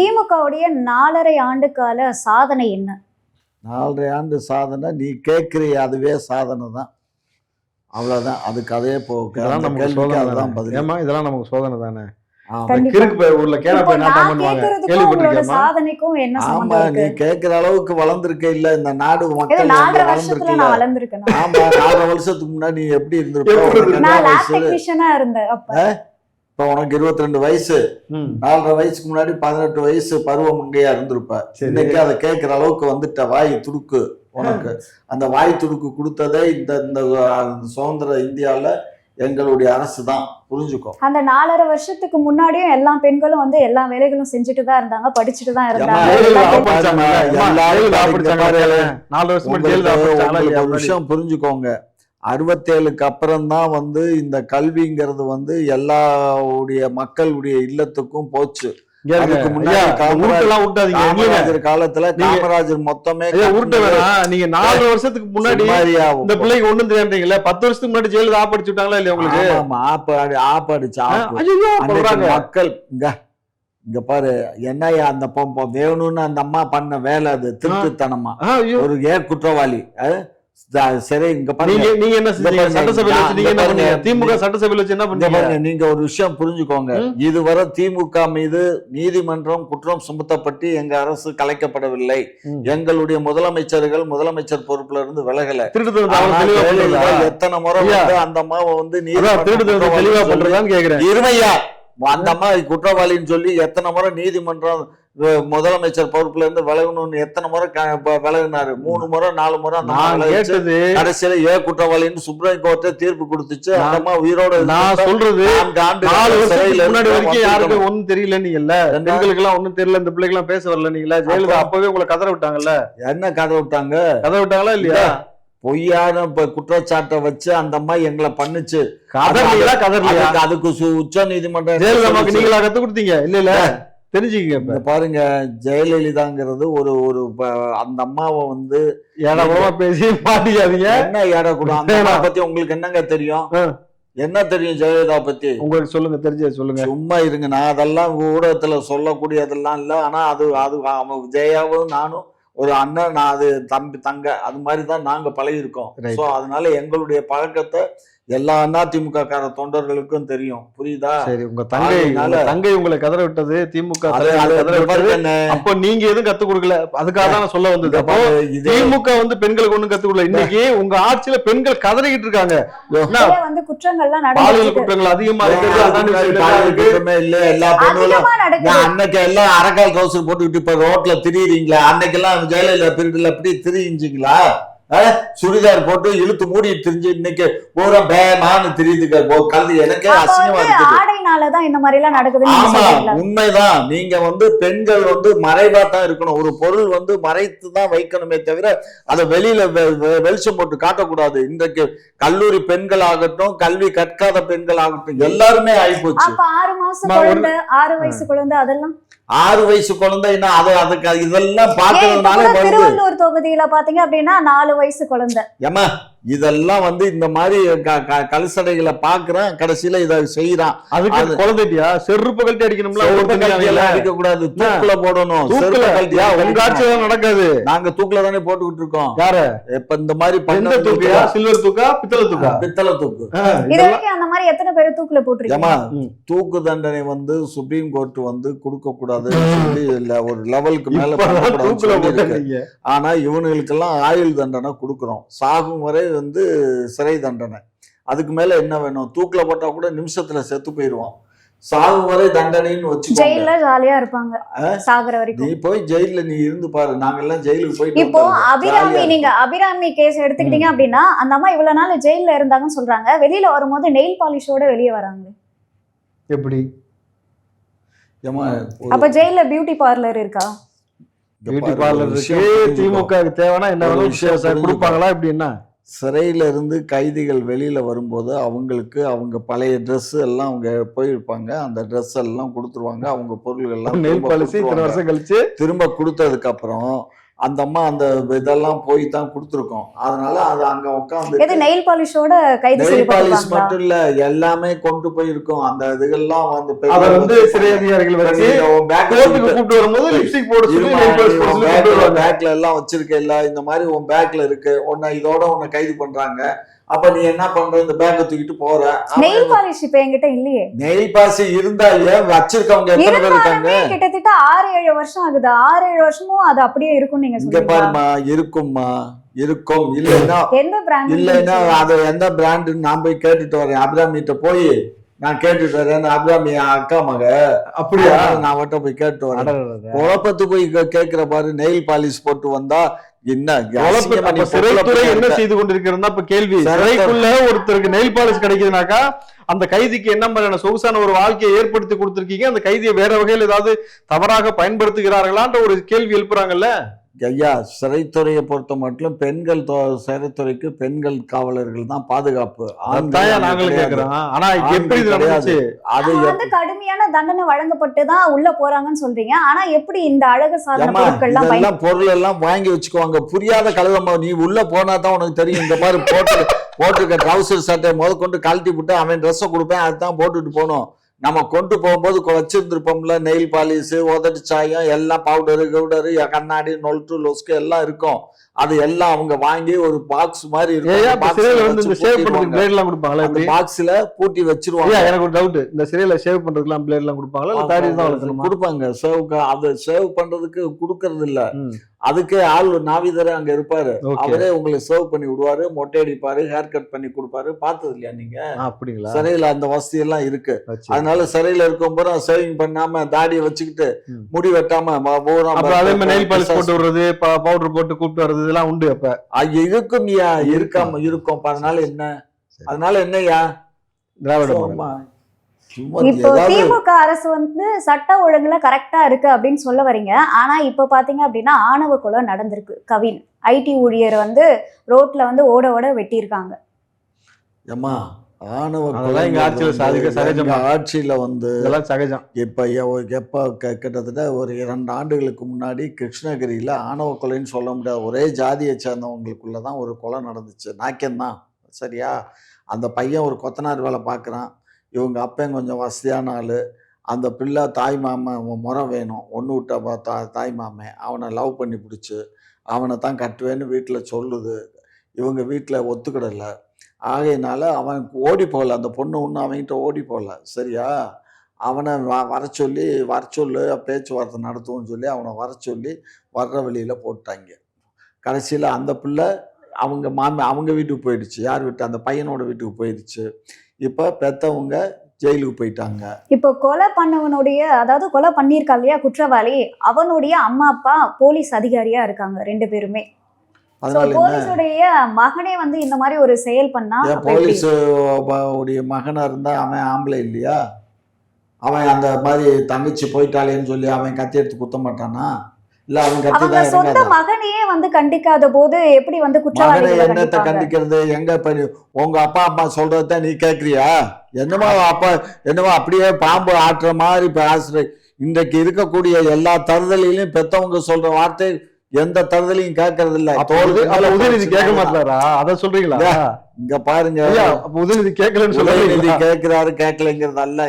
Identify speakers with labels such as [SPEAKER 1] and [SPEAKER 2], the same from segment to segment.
[SPEAKER 1] திமுகவுடைய 4.5 ஆண்டு கால சாதனை என்ன?
[SPEAKER 2] 4.5 ஆண்டு சாதனை நீ கேட்குறிய அதுவே சாதனை தான். அவ்வளோதான். அது கதையே போக அதுதான் பதில்.
[SPEAKER 3] ஏமா இதெல்லாம் நமக்கு சோதனை தானே.
[SPEAKER 1] சாதனைக்கும் என்ன?
[SPEAKER 2] ஆமா, நீ கேட்கிற அளவுக்கு வளர்ந்துருக்க இல்ல இந்த நாடு மக்கள்
[SPEAKER 1] வளர்ந்துருக்கு.
[SPEAKER 2] ஆமா, 4 வருஷத்துக்கு முன்னாடி நீ எப்படி இருந்திருப்ப? இப்ப உனக்கு 22 வயசு, 4.5 வயசுக்கு முன்னாடி 18 வயசு பருவ மங்கையா இருந்திருப்ப. இன்னைக்கு அதை கேட்கிற அளவுக்கு வந்துட்ட. வாய் துடுக்கு உனக்கு. அந்த வாய் துடுக்கு கொடுத்ததே இந்த சுதந்திர இந்தியால எங்களுடைய அரசு தான். புரிஞ்சுக்கோ.
[SPEAKER 1] அந்த 4.5 வருஷத்துக்கு முன்னாடியும் எல்லா பெண்களும் வந்து எல்லா வேலைகளும் செஞ்சுட்டு தான் இருந்தாங்க, படிச்சுட்டு தான் இருந்தாங்க.
[SPEAKER 2] ஒரு விஷயம் புரிஞ்சுக்கோங்க, 67க்கு அப்புறம் தான் வந்து இந்த கல்விங்கிறது வந்து எல்லாருடைய மக்களுடைய இல்லத்துக்கும் போச்சு. அதுக்கு முன்னாடி காமராஜர் காலத்துல காமராஜர் மொத்தமே
[SPEAKER 3] நீங்க 4 வருஷத்துக்கு முன்னாடி இந்த பிள்ளைக்கு ஒண்ணும் தெரியாதுங்களா? 10 வருஷத்துக்கு முன்னாடி ஜெயிலுக்கு ஆப்படிச்சு விட்டாங்களா இல்லையா உங்களுக்கு?
[SPEAKER 2] ஆப்படிச்சு மக்கள் இங்க பாரு என்னையா அந்த வேணும்னு அந்த அம்மா பண்ண வேலை அது திருட்டுத்தனமா. ஒரு குற்றவாளி சரி. இங்க
[SPEAKER 3] நீங்க என்ன சட்டசபையில திமுக சட்டசபையில வச்சு என்ன பண்ணீங்க?
[SPEAKER 2] நீங்க ஒரு விஷயம் புரிஞ்சுக்கோங்க, இதுவரை திமுக மீது நீதிமன்றம் குற்றம் சுமத்தப்பட்டு எங்க அரசு கலைக்கப்படவில்லை. எங்களுடைய முதலமைச்சர்கள் முதலமைச்சர் பொறுப்புல இருந்து விலகல. எத்தனை முறை அந்த அம்மாவை வந்து
[SPEAKER 3] தெளிவா பண்றதான்னு கேக்குறேன்.
[SPEAKER 2] இருமையா அந்த அம்மா குற்றவாளின்னு சொல்லி எத்தனை முறை நீதிமன்றம் முதலமைச்சர் பொறுப்புல இருந்து விலகணும்னு எத்தனை முறை விலகினாரு? 3 முறை 4 முறை கடைசியில குற்றவாளின்னு சுப்ரீம் கோர்ட்டே தீர்ப்பு கொடுத்துச்சு. அந்த அம்மா உயிரோட.
[SPEAKER 3] நான் சொல்றது 4 வருஷத்துக்கு முன்னாடி வரைக்கும் யாருக்கும் ஒண்ணும் தெரியல. நீங்கல்ல பெண்களுக்கு எல்லாம் ஒண்ணும் தெரியல, இந்த பிள்ளைக்கு எல்லாம் பேச வரல. நீங்களா ஜெயலலிதா அப்பவே உங்களை கதற விட்டாங்கல்ல?
[SPEAKER 2] என்ன கதற விட்டாங்களா இல்லையா? பொய்யான குற்றச்சாட்டை வச்சு அந்த அம்மா எங்களை பண்ணுச்சு. அதுக்கு உச்ச நீதிமன்றம்
[SPEAKER 3] நீங்களா கத்து கொடுத்தீங்க இல்ல? தெரிஞ்சுக்கங்க.
[SPEAKER 2] பாருங்க, ஜெயலலிதாங்கிறது ஒரு அந்த அம்மாவை வந்து
[SPEAKER 3] ஏடா பேசி மாட்டிக்காதீங்க.
[SPEAKER 2] என்ன ஏடக்கூடாது? அந்த அம்மா பத்தி உங்களுக்கு என்னங்க தெரியும்? என்ன தெரியும் ஜெயலலிதா பத்தி?
[SPEAKER 3] உங்களுக்கு சொல்லுங்க, தெரிஞ்சது சொல்லுங்க.
[SPEAKER 2] சும்மா இருங்க. நான் அதெல்லாம் ஊடகத்துல சொல்லக்கூடியதெல்லாம் இல்ல. ஆனா அது ஜெயாவும் நானும் ஒரு அண்ணன், நான் அது தம்பி தங்க, அது மாதிரிதான் நாங்க பழகி இருக்கோம். சோ அதனால எங்களுடைய பழக்கத்தை எல்லா அதிமுக கார தொண்டர்களுக்கும் தெரியும். புரியுதா?
[SPEAKER 3] சரி, உங்க தங்கை உங்களை கதற விட்டது திமுக. அப்போ நீங்க எதுவும் கத்து கொடுக்கல, அதுக்காக தான் சொல்ல வந்தது. அப்போ திமுக வந்து பெண்களுக்கு ஒண்ணும் கத்து கொடுக்கல. இன்னைக்கு உங்க ஆட்சியில பெண்கள் கதறிக்கிட்டு இருக்காங்க. பாலியல் குற்றங்கள் அதிகமா இருக்கு.
[SPEAKER 2] இல்ல எல்லா பெண்களும் அன்னைக்கு எல்லாம் அரக்கால் ட்ரௌசர் போட்டுக்கிட்டு இப்ப ரோட்ல திரியுறீங்களா? அன்னைக்கு எல்லாம் ஜெயலலிதா பீரியட்ல எப்படி திரிஞ்சிங்களா? சுடிதார் போட்டு இழுத்து மூடி தெரிஞ்சு இன்னைக்கு பூரா பேமான்னு தெரியுதுங்க. கல்வி எனக்கே அசிங்கமா இருக்குது. ஆமா, உண்மைதான். நீங்க வந்து பெண்கள் வந்து மறைவா தான் இருக்கணும். ஒரு பொருள் வந்து மறைத்து தான் வைக்கணுமே தவிர அதை வெளியில வெளிச்சம் போட்டு காட்டக்கூடாது. இன்றைக்கு கல்லூரி பெண்கள் ஆகட்டும், கல்வி கற்காத பெண்கள் ஆகட்டும், எல்லாருமே ஆயிப்போச்சு.
[SPEAKER 1] 6 வயசு குழந்தை, அதெல்லாம்
[SPEAKER 2] 6 வயசு குழந்தை என்ன? அதுக்கு இதெல்லாம் பாக்குறதுனால
[SPEAKER 1] திருவள்ளூர் தொகுதியில பாத்தீங்க அப்படின்னா 4 வயசு குழந்தை.
[SPEAKER 2] ஏமா இதெல்லாம் வந்து இந்த மாதிரி கலசடைகளை பாக்குறேன், கடைசியில இதை செய்யறான்.
[SPEAKER 3] அதுக்கு குழந்தையா செருப்பு கழட்டி அடிக்கணும்ல?
[SPEAKER 2] அடிக்க கூடாது, தூக்குல போடணும்.
[SPEAKER 3] உங்க ஆட்சியில நடக்காது.
[SPEAKER 2] நாங்க தூக்குல தானே போட்டுக்கிட்டு இருக்கோம்.
[SPEAKER 3] யாரு
[SPEAKER 2] இப்ப இந்த மாதிரி பண்ண
[SPEAKER 3] தூக்கியா? சில்வர் தூக்கா பித்தளை தூக்கா?
[SPEAKER 2] பித்தளை தூக்கு.
[SPEAKER 1] இது வரைக்கும் அந்த மாதிரி எத்தனை பேர் தூக்குல போட்டுருக்கீங்க?
[SPEAKER 2] தூக்கு தண்டனை வந்து சுப்ரீம் கோர்ட் வந்து கொடுக்க கூடாது இல்ல, ஒரு லெவலுக்கு மேல. ஆனா இவனுங்களுக்கெல்லாம் ஆயுள் தண்டனை கொடுக்கறோம். சாகும் வரை வந்து சிறை தண்டனை. அதுக்கு மேல என்ன வேணும்? தூக்குல போட்டா கூட நிமிஷத்துல செத்து போயிருவான். சாகும் வரை தண்டனைன்னு வச்சு
[SPEAKER 1] ஜெயில ஜாலியா இருப்பாங்க சாகுற வரைக்கும்.
[SPEAKER 2] நீ போய் ஜெயில நீ இருந்து பாரு. நாங்க எல்லாம் ஜெயிலுக்கு போயிட்டு
[SPEAKER 1] இப்போ அபிராமி கேஸ் எடுத்துக்கிட்டீங்க அப்படின்னா அந்த அம்மா இவ்வளவு நாள் ஜெயில இருந்தாங்கன்னு சொல்றாங்க. வெளியில வரும்போது நெயில் பாலிஷோட வெளியே வராங்க.
[SPEAKER 3] எப்படி?
[SPEAKER 1] அப்ப ஜெயில பியூட்டி பார்லர் இருக்கா?
[SPEAKER 3] பியூட்டி பார்லர் இருக்கு. திமுக தேவைன்னா என்ன விஷயம் கொடுப்பாங்களா? எப்படின்னா
[SPEAKER 2] சிறையில இருந்து கைதிகள் வெளியில வரும்போது அவங்களுக்கு அவங்க பழைய ட்ரெஸ் எல்லாம் அவங்க போயிருப்பாங்க, அந்த ட்ரெஸ் எல்லாம் கொடுத்துருவாங்க. அவங்க பொருள்கள் எல்லாம்
[SPEAKER 3] வருஷம் கழிச்சு
[SPEAKER 2] திரும்ப கொடுத்ததுக்கு அப்புறம் அந்த அம்மா அந்த இதெல்லாம் போய் தான் கொடுத்துருக்கோம். அதனால அது அங்க உட்காந்து
[SPEAKER 1] நெயில் பாலிஷோட கைது
[SPEAKER 2] நெயில் பாலிஷ்
[SPEAKER 1] செய்யப்பட்டிருக்காங்களா?
[SPEAKER 2] மட்டும் இல்ல, எல்லாமே கொண்டு போயிருக்கோம். அந்த இதுகள்லாம்
[SPEAKER 3] அதை வந்து சிறை அதிகாரிகள் வச்சு கோர்ட்டுக்கு கூப்பிட்டு வரும்போது லிப்ஸ்டிக் போட சொல்லி நெயில் பாலிஷ் போட சொல்லி கூப்பிட்டு வருவாங்க.
[SPEAKER 2] பேக்ல எல்லாம் வச்சிருக்க இல்ல, இந்த மாதிரி உன் பேக்ல இருக்கு, உன்னை இதோட உன்னை கைது பண்றாங்க. அப்ப நீ என்ன பண்ற, இந்த பேக்கை தூக்கிட்டு போற.
[SPEAKER 1] நெயில் பாலிஷ் இப்ப என்கிட்ட இல்லையே.
[SPEAKER 2] நெயில் பாலிஷ் இருந்தா ஏன் வச்சிருக்கவங்க எத்தனை பேர் இருக்காங்க?
[SPEAKER 1] கிட்டத்தட்ட 6-7 வருஷம் ஆகுது. 6-7 வருஷமும் அது அப்படியே இருக்கும் நீங்க
[SPEAKER 2] இங்க
[SPEAKER 1] சொல்றீங்க.
[SPEAKER 2] பாருமா, இருக்கும்மா, இருக்கும். இல்லைன்னா
[SPEAKER 1] எந்த பிராண்ட்
[SPEAKER 2] இல்லைன்னா அது எந்த பிராண்டுன்னு நான் போய் கேட்டுட்டு வரேன். அபிராமிட்ட போய் நான் கேட்டுட்டு வரேன். அபிராமி அக்கா மக,
[SPEAKER 3] அப்படியா?
[SPEAKER 2] நான் அவட்ட போய் கேட்டு வரேன். குழப்பத்து போய் கேட்கிற பாரு, நெயில் பாலிஷ் போட்டு வந்தா என்ன
[SPEAKER 3] சிறைத்துறை என்ன செய்து கொண்டிருக்கிறதா இப்ப கேள்வி. சிறைக்குள்ள ஒருத்தருக்கு நெயில் பாலிஷ் கிடைக்குதுனாக்கா அந்த கைதிக்கு என்ன மாதிரியான சொகுசான ஒரு வாழ்க்கையை ஏற்படுத்தி கொடுத்திருக்கீங்க, அந்த கைதியை வேற வகையில் ஏதாவது தவறாக பயன்படுத்துகிறார்களான்ற ஒரு கேள்வி எழுப்புறாங்கல்ல.
[SPEAKER 2] ஐயா, சிறைத்துறையை பொறுத்த மட்டும் பெண்கள் சிறைத்துறைக்கு பெண்கள் காவலர்கள் தான் பாதுகாப்பு.
[SPEAKER 3] நாங்களும் கேட்கிறோம். ஆனா எப்படி
[SPEAKER 2] கிடையாது,
[SPEAKER 1] அது வந்து கடுமையான தண்டனை வழங்கப்பட்டு தான் உள்ள போறாங்கன்னு சொல்றீங்க. ஆனா எப்படி இந்த அழகு சாதன பொருட்கள் எல்லாம்
[SPEAKER 2] பொருள் எல்லாம் வாங்கி வச்சுக்குவாங்க. புரியாத கழுதமா, நீ உள்ள போனா தான் உனக்கு தெரியும். இந்த மாதிரி போட்டுருக்க ட்ரௌசர் சட்டை கொண்டு கழட்டி விட்டு அவன் ட்ரெஸ்ஸை கொடுப்பேன், அதுதான் போட்டுட்டு போனோம். நம்ம கொண்டு போகும்போது வச்சிருந்துருப்போம்ல, நெயில் பாலிஷ், உதட்டு சாயம், எல்லாம் பவுடரு கவுடரு, கண்ணாடி, நொல்ட்டு லொஸ்கு எல்லாம் இருக்கும். அது எல்லாம் அவங்க வாங்கி ஒரு பாக்ஸ் மாதிரி பாக்ஸ்ல பூட்டி வச்சிருவாங்க.
[SPEAKER 3] எனக்கு ஒரு டவுட், இந்த சிறையில சேவ் பண்றதுக்குலாம் பிளேட் எல்லாம் கொடுப்பாங்களா?
[SPEAKER 2] கொடுப்பாங்க. அது சேவ் பண்றதுக்கு கொடுக்கறது இல்ல, அதுக்கு ஆள் நாவிதரே அங்க இருப்பாரு. அவரே உங்களுக்கு சர்வ் பண்ணி விடுவாரு, மொட்டை அடிப்பாரு, ஹேர் கட் பண்ணி கொடுப்பாரு. பார்த்தது இல்லையா நீங்க?
[SPEAKER 3] அப்படிங்களா?
[SPEAKER 2] சிறையில அந்த வசதி எல்லாம் இருக்கு. அதனால சிறையில இருக்கும் போது சேவிங் பண்ணாம தாடியை வச்சுக்கிட்டு முடி வெட்டாம
[SPEAKER 3] நெயில் பாலிஷ் போட்டு விடுறது, பவுடர் போட்டு கூப்பிட்டு வர்றது இதெல்லாம் உண்டு. அப்ப
[SPEAKER 2] இருக்கும் இருக்காம இருக்கும். அதனால என்னையா
[SPEAKER 3] திராவிட
[SPEAKER 1] இப்போ திமுக அரசு வந்து சட்ட ஒழுங்குல கரெக்டா இருக்கு அப்படின்னு சொல்ல வரீங்க. ஆனா இப்ப பாத்தீங்க அப்படின்னா ஆணவ கொலை நடந்திருக்கு. கவின் ஐடி ஊழியர் வந்து ரோட்ல வந்து ஓட வெட்டியிருக்காங்க.
[SPEAKER 2] ஏமா, ஆணவ ஆட்சியில வந்து
[SPEAKER 3] சகஜம்.
[SPEAKER 2] எப்ப கிட்டத்தட்ட ஒரு 2 ஆண்டுகளுக்கு முன்னாடி கிருஷ்ணகிரியில ஆணவ கொலைன்னு சொல்ல முடியாது, ஒரே ஜாதியை சேர்ந்தவங்களுக்குள்ளதான் ஒரு கொலை நடந்துச்சு. நாக்கியம்தான், சரியா? அந்த பையன் ஒரு கொத்தனார் வேலை பார்க்குறான். இவங்க அப்பன் கொஞ்சம் வசதியான ஆள். அந்த பிள்ளை தாய் மாமன் முறை வேணும், ஒன்று விட்ட தாய் மாமன் அவனை லவ் பண்ணி பிடிச்சி அவனை தான் கட்டுவேன்னு வீட்டில் சொல்லுது. இவங்க வீட்டில் ஒத்துக்கிடலை. ஆகையினால அவன் ஓடி போகல, அந்த பொண்ணு ஒன்றும் அவன்கிட்ட ஓடி போகல, சரியா? அவனை வர சொல்லு, பேச்சுவார்த்தை நடத்துவோன்னு சொல்லி அவனை வர சொல்லி வர்ற வழியில் போட்டாங்க. கடைசியில் அந்த பிள்ளை அவங்க வீட்டுக்கு போயிடுச்சு. யார் வீட்டு? அந்த பையனோட வீட்டுக்கு போயிடுச்சு. இப்ப பெத்தவங்க ஜெயிலுக்கு போயிட்டாங்க.
[SPEAKER 1] இப்போ கொலை பண்ணவனுடைய, அதாவது கொலை பண்ணியிருக்கா இல்லையா குற்றவாளி, அவனுடைய அம்மா அப்பா போலீஸ் அதிகாரியா இருக்காங்க 2 பேருமே. போலீஸுடைய மகனே வந்து இந்த மாதிரி ஒரு செயல் பண்ணா,
[SPEAKER 2] போலீஸ் உடைய மகனா இருந்தா அவன் ஆம்பளை இல்லையா? அவன் அந்த மாதிரி தங்கச்சி போயிட்டாளேன்னு சொல்லி அவன் கத்தி எடுத்து குத்த மாட்டானா?
[SPEAKER 1] அவங்க சொந்த மகனையே வந்து கண்டிக்காத போது எப்படி வந்து குற்றவாளிகளை
[SPEAKER 2] என்னத்தை கண்டிக்கிறது? எங்க உங்க அப்பா அம்மா சொல்றதான் நீ கேக்குறியா? என்னமோ அப்படியே பாம்பு ஆட்டுற மாதிரி பேசுற. இன்றைக்கு இருக்கக்கூடிய எல்லா தருதலையும் பெத்தவங்க சொல்ற வார்த்தை எந்த தருதலையும் கேட்கறது இல்ல.
[SPEAKER 3] உதயநிதி கேட்க மாட்டாரா? அத சொல்றீங்களா?
[SPEAKER 2] இங்க பாருங்க,
[SPEAKER 3] உதயநிதி கேட்கலன்னு
[SPEAKER 2] உதயநிதி கேட்கிறாரு, கேட்கலைங்கிறது அல்ல.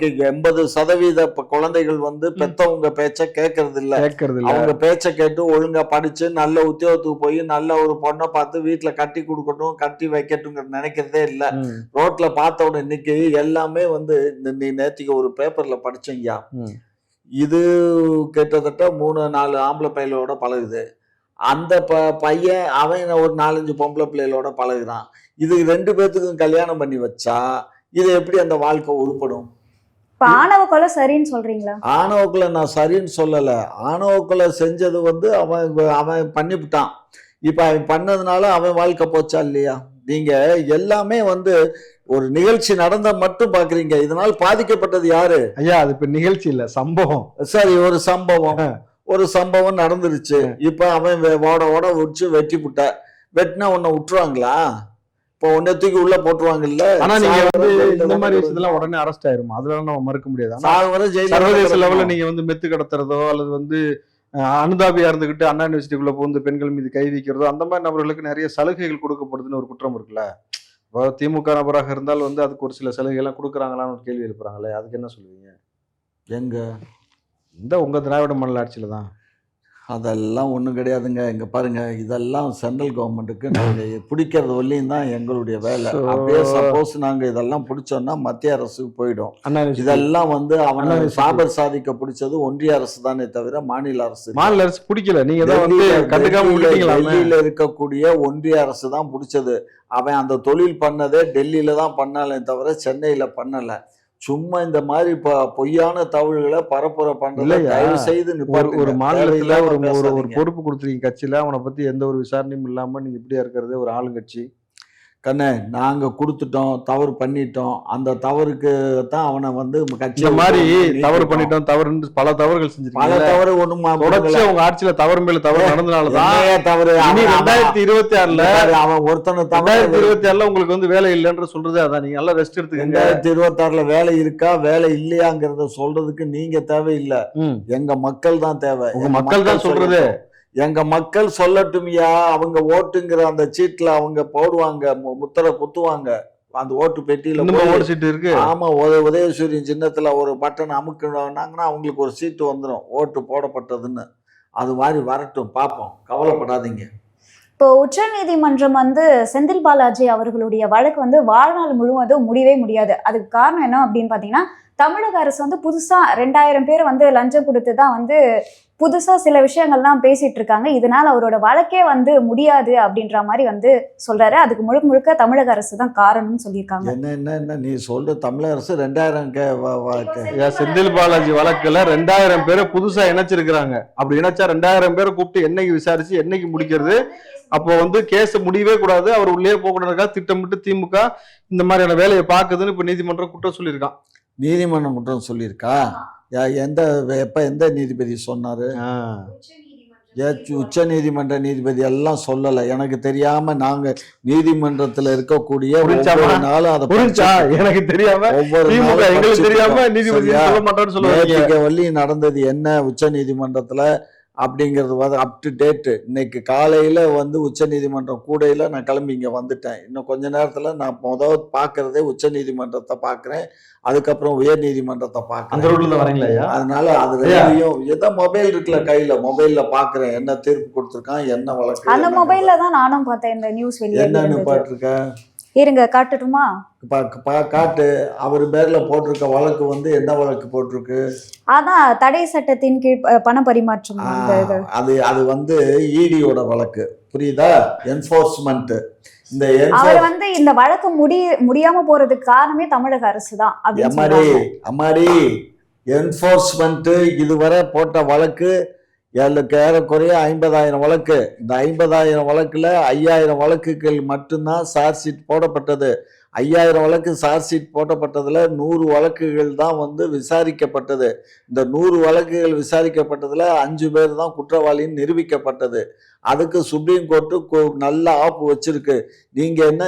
[SPEAKER 2] 80% குழந்தைகள் வந்து பெத்தவங்க பேச்ச கேட்கறது இல்ல. அவங்க பேச்ச கேட்டு ஒழுங்கா படிச்சு நல்ல உத்தியோகத்துக்கு போய் நல்ல ஒரு பொண்ணை பார்த்து வீட்டுல கட்டி கொடுக்கட்டும், கட்டி வைக்கட்டும்ங்கிற நினைக்கிறதே இல்ல. ரோட்ல பார்த்த உடனே இன்னைக்கு எல்லாமே வந்து நேத்திக்கு ஒரு பேப்பர்ல படிச்சீங்க, இது கிட்டத்தட்ட 3-4 ஆம்பளை பையலோட பழகுது. அந்த பையன் அவன் ஒரு 4-5 பொம்பளை பிள்ளைகளோட பழகுறான். இது 2 பேத்துக்கும் கல்யாணம் பண்ணி வச்சா இது எப்படி அந்த வாழ்க்கை உருப்படும்?
[SPEAKER 1] ஆணவ கொலை சரின்னு சொல்றீங்களா?
[SPEAKER 2] ஆணவ கொலை நான் சரின்னு சொல்லல. ஆணவ கொலை செஞ்சது வந்து அவன் பண்ணிவிட்டான். இப்ப அவன் பண்ணதுனால அவன் வாழ்க்கை போச்சா இல்லையா? நீங்க எல்லாமே வந்து ஒரு நிகழ்ச்சி நடந்த மட்டும் பாக்குறீங்க. இதனால் பாதிக்கப்பட்டது யாரு?
[SPEAKER 3] ஐயா, அது இப்ப நிகழ்ச்சி இல்ல, சம்பவம்.
[SPEAKER 2] சரி, ஒரு சம்பவம் நடந்துருச்சு. இப்ப அவன் ஓட உடிச்சு வெட்டினா உன்னை விட்டுருவாங்களா? இப்போ உன்னை தூக்கி உள்ள போட்டுருவாங்கல்ல.
[SPEAKER 3] ஆனா நீங்க வந்து இந்த மாதிரி விஷயத்தெல்லாம் உடனே அரெஸ்ட் ஆயிரும், அதெல்லாம் நம்ம மறுக்க முடியாது. சர்வதேச லெவல்ல நீங்க வந்து மெத்து கடத்துறதோ அல்லது வந்து அனுதாபியா இருந்துகிட்டு அண்ணா யூனிவர்சிட்டிக்குள்ள புகுந்து பெண்கள் மீது கை வைக்கிறதோ அந்த மாதிரி நபர்களுக்கு நிறைய சலுகைகள் கொடுக்கப்படுதுன்னு ஒரு குற்றம் இருக்குல்ல. இப்போ திமுக நபராக இருந்தால் வந்து அதுக்கு ஒரு சில சலுகை எல்லாம் கொடுக்குறாங்களான்னு ஒரு கேள்வி எழுப்புறாங்களே, அதுக்கு என்ன சொல்லுவீங்க?
[SPEAKER 2] எங்க
[SPEAKER 3] இந்த உங்க திராவிட மாடல் ஆட்சியில தான்.
[SPEAKER 2] அதெல்லாம் ஒன்றும் கிடையாதுங்க. இங்க பாருங்க, இதெல்லாம் சென்ட்ரல் கவர்மெண்ட்டுக்கு நாங்கள் பிடிக்கிறது வரலையும் தான் எங்களுடைய வேலை. அப்படியே சப்போஸ் நாங்கள் இதெல்லாம் பிடிச்சோம்னா மத்திய அரசுக்கு போயிடும். இதெல்லாம் வந்து அவனை சாபர் சாதிக்க பிடிச்சது ஒன்றிய அரசு தானே தவிர மாநில அரசு
[SPEAKER 3] பிடிக்கல. நீங்க தான் வந்து
[SPEAKER 2] டெல்லியில இருக்கக்கூடிய ஒன்றிய அரசு தான் பிடிச்சது. அவன் அந்த தொழில் பண்ணதே டெல்லியில தான் பண்ணாலே தவிர சென்னையில பண்ணல. சும்மா இந்த மாதிரி பொய்யான தகவல்களை பரப்புரை பண்றதுல தயவு செய்து
[SPEAKER 3] ஒரு மாநிலத்துல ஒரு பொறுப்பு கொடுத்துருக்கீங்க கட்சியில, அவனை பத்தி எந்த ஒரு விசாரணையும் இல்லாம நீங்க இப்படியா இருக்கிறது ஒரு ஆளுங்கட்சி.
[SPEAKER 2] கண்ணே, நாங்க கொடுத்துட்டோம், தவறு பண்ணிட்டோம், அந்த தவறுக்கு தான் அவனை வந்து
[SPEAKER 3] கட்சி மாதிரி தவறு பண்ணிட்டோம், தவறு பல தவறுகள் செஞ்சிருக்கோம்.
[SPEAKER 2] பல தவறு ஒண்ணும்
[SPEAKER 3] உங்க ஆட்சியில தவறு மேல தவறு நடந்தனாலதான் தவறு. 2026ல
[SPEAKER 2] அவன் ஒருத்தனை
[SPEAKER 3] 2026ல உங்களுக்கு வந்து வேலை இல்லைன்ற சொல்றது அதான். நீங்க நல்லா ரெஸ்ட் எடுத்துக்கங்க.
[SPEAKER 2] 2026ல வேலை இருக்கா வேலை இல்லையாங்கிறத சொல்றதுக்கு நீங்க தேவையில்லை, எங்க மக்கள் தான் தேவை.
[SPEAKER 3] உங்க மக்கள் தான் சொல்றது.
[SPEAKER 2] எங்க மக்கள் சொல்லட்டும்யா. அவங்க ஓட்டுங்கிற அந்த சீட்ல அவங்க போடுவாங்க, முத்திரை குத்துவாங்க. அந்த ஓட்டு பெட்டியில
[SPEAKER 3] ஓட்டு சீட்டு இருக்கு.
[SPEAKER 2] ஆமா, உதயசூரியன் சின்னத்துல ஒரு பட்டன் அமுக்கினாங்கன்னா அவங்களுக்கு ஒரு சீட்டு வந்துடும் ஓட்டு போடப்பட்டதுன்னு. அது மாதிரி வரட்டும், பார்ப்போம், கவலைப்படாதீங்க.
[SPEAKER 1] இப்போ உச்ச நீதிமன்றம் வந்து செந்தில் பாலாஜி அவர்களுடைய வழக்கு வந்து வாழ்நாள் முழுவதும் முடியவே முடியாது. அதுக்கு காரணம் என்ன அப்படின்னு பாத்தீங்கன்னா, தமிழக அரசு வந்து புதுசா 2000 பேர் வந்து லஞ்சம் கொடுத்து தான் வந்து புதுசா சில விஷயங்கள்லாம் பேசிட்டு இருக்காங்க. இதனால அவரோட வழக்கே வந்து முடியாது அப்படின்ற மாதிரி வந்து சொல்றாரு. அதுக்கு முழுக்க முழுக்க தமிழக அரசு தான் காரணம்னு சொல்லியிருக்காங்க.
[SPEAKER 2] என்ன நீ சொல்ற? தமிழக அரசு 2000
[SPEAKER 3] செந்தில் பாலாஜி வழக்குல 2000 பேரை புதுசா இணைச்சிருக்கிறாங்க. அப்படி இணைச்சா 2000 பேரை கூப்பிட்டு என்னைக்கு விசாரிச்சு என்னைக்கு முடிக்கிறது? அப்போ வந்து கேஸ் முடியவே கூடாது, அவர் உள்ளே போகக்கூடாதுக்கா திட்டமிட்டு திமுக இந்த மாதிரியான வேலையை பார்க்குதுன்னு இப்ப நீதிமன்றம் குற்றம் சொல்லியிருக்கான்.
[SPEAKER 2] நீதிமன்றம் குற்றம் சொல்லியிருக்கா? எந்த நீதிபதி சொன்னாரு? உச்ச நீதிமன்ற நீதிபதி எல்லாம் சொல்லல. எனக்கு தெரியாம நாங்க நீதிமன்றத்துல இருக்கக்கூடிய ஒவ்வொரு நாளும் அதை
[SPEAKER 3] எனக்கு தெரியாம ஒவ்வொரு
[SPEAKER 2] வள்ளி நடந்தது என்ன உச்ச நீதிமன்றத்துல அப்படிங்கிறது அப் டு டேட்டு. இன்னைக்கு காலையில வந்து உச்ச நீதிமன்றம் கூடையில நான் கிளம்பி இங்க வந்துட்டேன். இன்னும் கொஞ்ச நேரத்துல நான் முதல் பாக்குறதே உச்ச நீதிமன்றத்தை பாக்குறேன், அதுக்கப்புறம் உயர் நீதிமன்றத்தை பாக்குறேன். அதனால அது ஏதோ மொபைல் இருக்குல்ல கையில, மொபைல்ல பாக்குறேன் என்ன தீர்ப்பு கொடுத்திருக்கான், என்ன வழக்கு.
[SPEAKER 1] அந்த மொபைல்ல தான் நானும் பார்த்தேன் இந்த நியூஸ்.
[SPEAKER 2] என்னன்னு பாத்துருக்க?
[SPEAKER 1] இருங்க காட்டட்டுமா?
[SPEAKER 2] காட்டு. அவர் பேர்ல போட்டிருக்க வழக்கு வந்து என்ன வழக்கு போட்டிருக்கு?
[SPEAKER 1] அதான் தடை சட்டத்தின் கீழ் பண பரிமாற்றம்.
[SPEAKER 2] அது வந்து ஈடியோட வழக்கு, புரியுதா? என்ஃபோர்ஸ்மெண்ட்.
[SPEAKER 1] அவர் வந்து இந்த வழக்கு முடியாம போறதுக்கு காரணமே தமிழக அரசு தான்.
[SPEAKER 2] அம்மாடி என்ஃபோர்ஸ்மெண்ட் இதுவரை போட்ட வழக்கு ஏறக்குறைய 50,000 வழக்கு. இந்த 50,000 வழக்குல 5,000 வழக்குகள் மட்டும்தான் சார்ஜ் ஷீட் போடப்பட்டது. 5,000 வழக்கு சார்ஜ் ஷீட் போடப்பட்டதுல 100 வழக்குகள் தான் வந்து விசாரிக்கப்பட்டது. இந்த 100 வழக்குகள் விசாரிக்கப்பட்டதுல 5 பேர் தான் குற்றவாளின்னு நிரூபிக்கப்பட்டது. அதுக்கு சுப்ரீம் கோர்ட்டு நல்ல ஆப்பு வச்சிருக்கு. நீங்க என்ன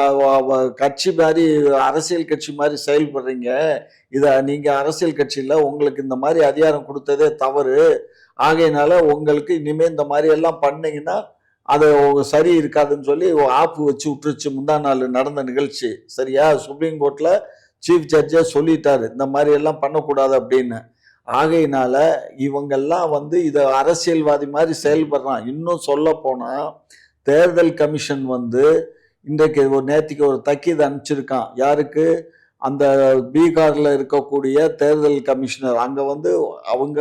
[SPEAKER 2] கட்சி மாதிரி அரசியல் கட்சி மாதிரி செயல்படுறீங்க? நீங்க அரசியல் கட்சியில உங்களுக்கு இந்த மாதிரி அதிகாரம் கொடுத்ததே தவறு. ஆகையினால உங்களுக்கு இனிமே இந்த மாதிரி எல்லாம் பண்ணீங்கன்னா அது சரி இருக்காதுன்னு சொல்லி ஆப்பு வச்சு விட்டுருச்சு. முந்தா நாள் நடந்த நிகழ்ச்சி, சரியா? சுப்ரீம் கோர்ட்ல சீஃப் ஜட்ஜே சொல்லிட்டாரு இந்த மாதிரி எல்லாம் பண்ணக்கூடாது அப்படின்னு. ஆகையினால இவங்கெல்லாம் வந்து இதை அரசியல்வாதி மாதிரி செயல்படுறான். இன்னும் சொல்ல போனா தேர்தல் கமிஷன் வந்து இன்றைக்கு நேற்றுக்கு ஒரு தக்கீது அனுப்பிச்சிருக்கான். யாருக்கு? அந்த பீகார்ல இருக்கக்கூடிய தேர்தல் கமிஷனர். அங்க வந்து அவங்க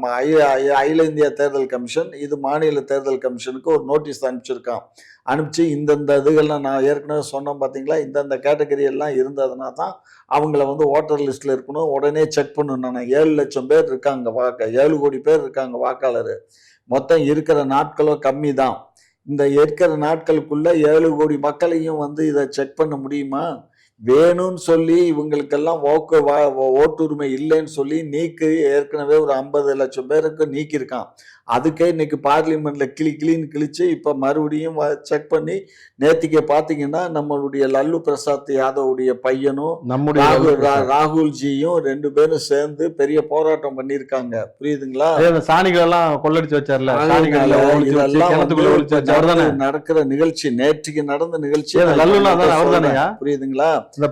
[SPEAKER 2] அகில இந்திய தேர்தல் கமிஷன், இது மாநில தேர்தல் கமிஷனுக்கு ஒரு நோட்டீஸ் அனுப்பிச்சிருக்கான். அனுப்பிச்சு இந்தந்த இதுகள்லாம் நான் ஏற்கனவே சொன்னேன் பார்த்தீங்களா, இந்தந்த கேட்டகரி எல்லாம் இருந்ததுனா தான் அவங்கள வந்து ஓட்டர் லிஸ்ட்ல இருக்கணும், உடனே செக் பண்ணணும். 7 லட்சம் பேர் இருக்காங்க 7 கோடி பேர் இருக்காங்க வாக்காளர். மொத்தம் இருக்கிற நாட்களும் கம்மி தான். இந்த இருக்கிற நாட்களுக்குள்ள 7 கோடி மக்களையும் வந்து இதை செக் பண்ண முடியுமா? வேணும்னு சொல்லி இவங்களுக்கெல்லாம் ஓட்டுரிமை இல்லைன்னு சொல்லி ஏற்கனவே ஒரு 50 லட்சம் பேருக்கு நீக்கியிருக்கான். அதுக்கே இன்னைக்கு பார்லிமெண்ட்ல கிளின்னு கிழிச்சு இப்ப மறுபடியும் செக் பண்ணி நேத்திக்கு பாத்தீங்கன்னா நம்மளுடைய லல்லு பிரசாத் யாதவுடைய பையனும்
[SPEAKER 3] நம்முடைய
[SPEAKER 2] ராகுல்ஜியும் 2 பேரும் சேர்ந்து பெரிய போராட்டம் பண்ணிருக்காங்க, புரியுதுங்களா?
[SPEAKER 3] சாணிகள் எல்லாம் கொள்ளடிச்சு வச்சார்ல,
[SPEAKER 2] இதெல்லாம் நடக்கிற நிகழ்ச்சி, நேற்றுக்கு நடந்த நிகழ்ச்சி, புரியுதுங்களா?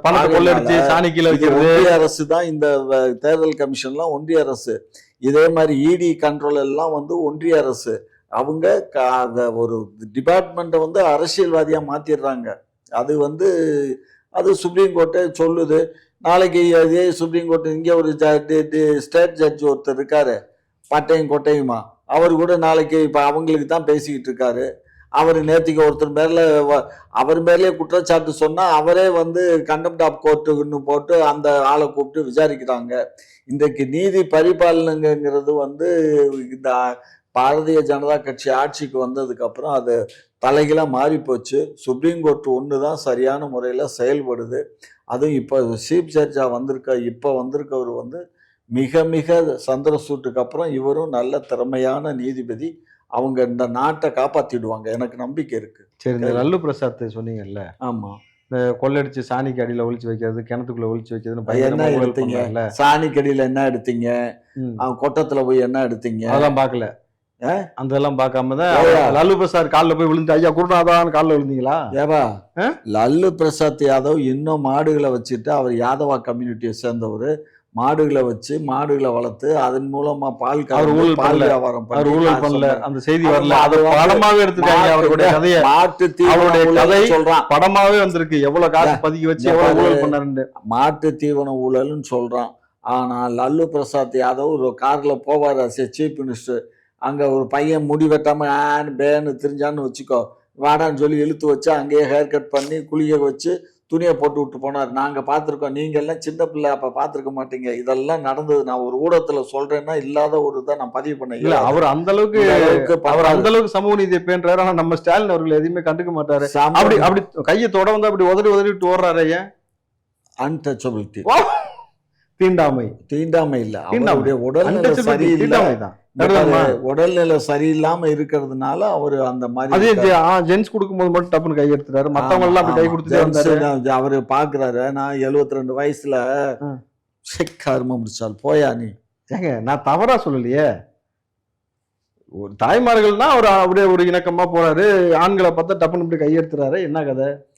[SPEAKER 2] ஒன்றிய அரசு தான் இந்த தேர்தல் கமிஷன்லாம் ஒன்றிய அரசு. இதே மாதிரி இடி கண்ட்ரோல் எல்லாம் வந்து ஒன்றிய அரசு. அவங்க ஒரு டிபார்ட்மெண்ட்டை வந்து அரசியல்வாதியா மாத்திடுறாங்க. அது வந்து அது சுப்ரீம் கோர்ட்டே சொல்லுது. நாளைக்கு அதே சுப்ரீம் கோர்ட் இங்கே ஒரு ஸ்டேட் ஜட்ஜ் ஒருத்தர் இருக்காரு, பட்டையும் கொட்டையுமா, அவர் கூட நாளைக்கு இப்போ அவங்களுக்கு தான் பேசிக்கிட்டு இருக்காரு. அவர் நேற்றுக்கு ஒருத்தர் மேல அவர் மேலே குற்றச்சாட்டு சொன்னா அவரே வந்து கண்டெம்ட் ஆஃப் கோர்ட்டுன்னு போட்டு அந்த ஆளை கூப்பிட்டு விசாரிக்கிறாங்க. இன்றைக்கு நீதி பரிபாலனைங்கிறது வந்து இந்த பாரதிய ஜனதா கட்சி ஆட்சிக்கு வந்ததுக்கு அப்புறம் அது தலைகீழா மாறி போச்சு. சுப்ரீம் கோர்ட் ஒன்று தான் சரியான முறையில் செயல்படுது. அதுவும் இப்போ சீஃப் ஜட்ஜா வந்திருக்கவர் வந்து மிக மிக சந்திரசூட்டுக்கு அப்புறம் இவரும் நல்ல திறமையான நீதிபதி. அவங்க இந்த நாட்டை காப்பாத்திடுவாங்க, எனக்கு நம்பிக்கை இருக்கு.
[SPEAKER 3] சரி, இந்த லல்லு பிரசாத் சொன்னீங்கல்ல,
[SPEAKER 2] ஆமா,
[SPEAKER 3] இந்த கொள்ளடிச்சு சாணிக்கு அடியில ஒளிச்சு வைக்கிறது, கிணத்துக்குள்ள ஒளிச்சு வைக்கிறதுன்னு
[SPEAKER 2] என்ன எடுத்தீங்க? சாணிக்கு அடியில என்ன எடுத்தீங்க? கொட்டத்துல போய் என்ன எடுத்தீங்க?
[SPEAKER 3] அதெல்லாம் பாக்கல, அந்த எல்லாம் பார்க்காம தான் லல்லு பிரசாத் காலில் போய் விழுந்து ஐயா குருநாதான் காலில் விழுந்தீங்களா?
[SPEAKER 2] ஏவா, லல்லு பிரசாத் யாதவ் இன்னும் மாடுகளை வச்சுட்டு, அவர் யாதவா கம்யூனிட்டியை சேர்ந்தவர், மாடுகளை வச்சு மாடுகளை வளர்த்து அதன் மூலமா பால் வியாபாரம்
[SPEAKER 3] பண்ணல. அந்த செய்தி வரல, அது படமாவே எடுத்துட்டாங்க. அவருடைய கதையை, மாட்டு தீவன சொல்றான், படமாவே வந்திருக்கு. எவ்வளவு காசு பதுக்கி வச்சு எவ்வளவு ஊழல் பண்ணாரு,
[SPEAKER 2] மாட்டு தீவன ஊழல்னு சொல்றான். ஆனா லல்லு பிரசாத் யாதவ் ஒரு கார்ல போவார், சீஃப் மினிஸ்டர். அங்க ஒரு பையன் முடி வெட்டாம பேன்னு தெரிஞ்சான்னு வச்சுக்கோ, வாடான்னு சொல்லி இழுத்து வச்சு அங்கேயே ஹேர் கட் பண்ணி குளிக்க வச்சு துணியை போட்டு விட்டு போனார். நாங்க பார்த்துருக்கோம், நீங்க எல்லாம் சின்ன பிள்ளை அப்ப பார்த்துருக்க மாட்டீங்க. இதெல்லாம் நடந்தது. நான் ஒரு ஊடகத்துல சொல்றேன்னா இல்லாத ஒரு இதை நான் பதிவு பண்ணேன்.
[SPEAKER 3] இல்ல, அவர் அந்த அளவுக்கு சமூக நீதியை பேன்றாரு. ஆனா நம்ம ஸ்டாலின் அவர்கள் எதுவுமே கண்டுக்க மாட்டாரு. அப்படி கையை தொட வந்து அப்படி உதறிட்டு ஓடுறாரு. ஏன்?
[SPEAKER 2] அன்டச்சபிலிட்டி,
[SPEAKER 3] தீண்டாமை
[SPEAKER 2] இல்ல, அவருடைய உடல்நிலை சரியில்லை. உடல்நிலை சரியில்லாம இருக்கிறதுனால அவரு அந்த மாதிரி
[SPEAKER 3] ஜென்ஸ் கொடுக்கும்போது மட்டும் டப்புன்னு கை எடுத்துறாரு. மத்தவங்க எல்லாம் அப்படி கை கொடுத்து
[SPEAKER 2] அவரு பாக்குறாரு. நான் 72 வயசுல கர்ம முடிச்சால் போயா நீ.
[SPEAKER 3] ஏங்க, நான் தவறா சொல்லலையே. ஒரு தாய்மார்கள்னா அவர் அப்படியே ஒரு இணக்கமா போறாரு, ஆண்களை பார்த்தா டப்புன்னு இப்படி கையெடுத்துறாரு. என்ன கதை?